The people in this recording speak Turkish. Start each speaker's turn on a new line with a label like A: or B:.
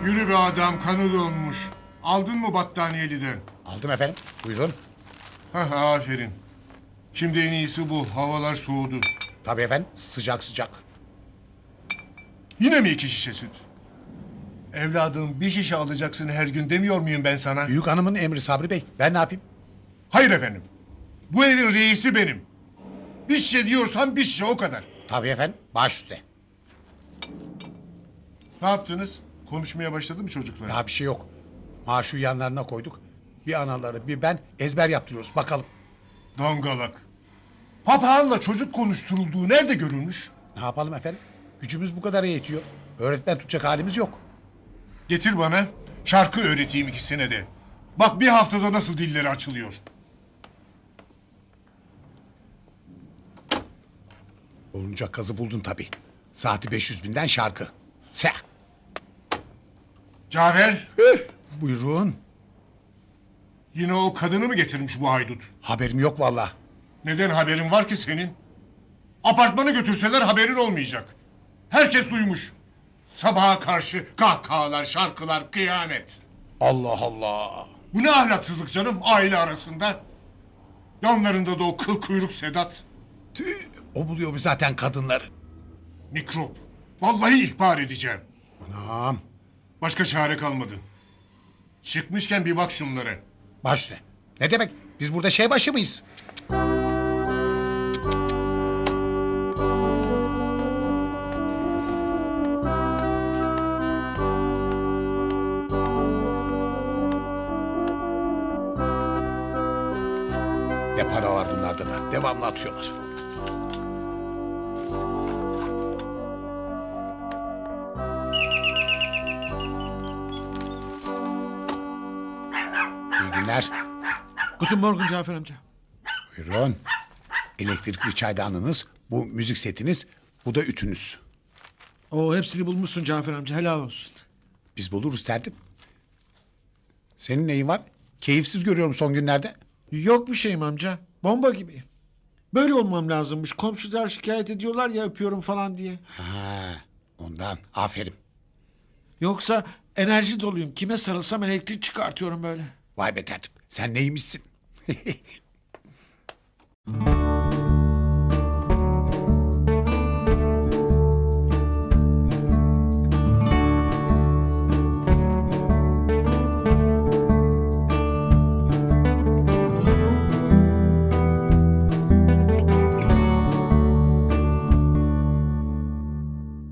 A: Yürü be adam, kanı donmuş. Aldın mı battaniyeliden?
B: Aldım efendim. Buyurun.
A: Hah, aferin. Şimdi en iyisi bu. Havalar soğudu.
B: Tabii efendim. Sıcak sıcak.
A: Yine mi 2 şişe süt? Evladım, bir şişe alacaksın her gün demiyor muyum ben sana?
B: Büyük hanımın emri Sabri Bey. Ben ne yapayım?
A: Hayır efendim. Bu evin reisi benim. Bir şişe diyorsan bir şişe, o kadar.
B: Tabii efendim. Baş üstte.
A: Ne yaptınız? Konuşmaya başladı mı çocuklar?
B: Daha bir şey yok. Maaşı yanlarına koyduk. Bir anaları bir ben ezber yaptırıyoruz. Bakalım.
A: Dangalak. Papağanla çocuk konuşturulduğu nerede görülmüş?
B: Ne yapalım efendim? Gücümüz bu kadar yetiyor. Öğretmen tutacak halimiz yok.
A: Getir bana. Şarkı öğreteyim ikisine de. Bak bir haftada nasıl dilleri açılıyor.
B: Olunca kazı buldun tabii. Saati 500.000'den şarkı. Seh.
A: Cafer,
B: Buyurun.
A: yine o kadını mı getirmiş bu haydut?
B: Haberim yok vallahi.
A: Neden haberin var ki senin? Apartmanı götürseler haberin olmayacak. Herkes duymuş. Sabaha karşı kahkahalar, şarkılar, kıyamet.
B: Allah Allah.
A: Bu ne ahlaksızlık canım aile arasında? Yanlarında da o kıl kuyruk Sedat.
B: Tüh, o buluyor zaten kadınları.
A: Mikrop. Vallahi ihbar edeceğim.
B: Anam.
A: Başka çare kalmadı. Çıkmışken bir bak şunlara.
B: Baş üstte. Ne demek? Biz burada şey başı mıyız? Ne para var bunlarda da. Devamlı atıyorlar. İyi günler.
C: Guten Morgen Cafer amca.
B: Buyurun. Elektrikli çaydanınız, bu müzik setiniz, bu da ütünüz.
C: O hepsini bulmuşsun Cafer amca, helal olsun.
B: Biz buluruz tertip. Senin neyin var? Keyifsiz görüyorum son günlerde.
C: Yok bir şeyim amca. Bomba gibi. Böyle olmam lazımmış. Komşular şikayet ediyorlar ya öpüyorum falan diye.
B: Ha, ondan. Aferin.
C: Yoksa enerji doluyum. Kime sarılsam elektrik çıkartıyorum böyle.
B: Vay be tertip. Sen neymişsin?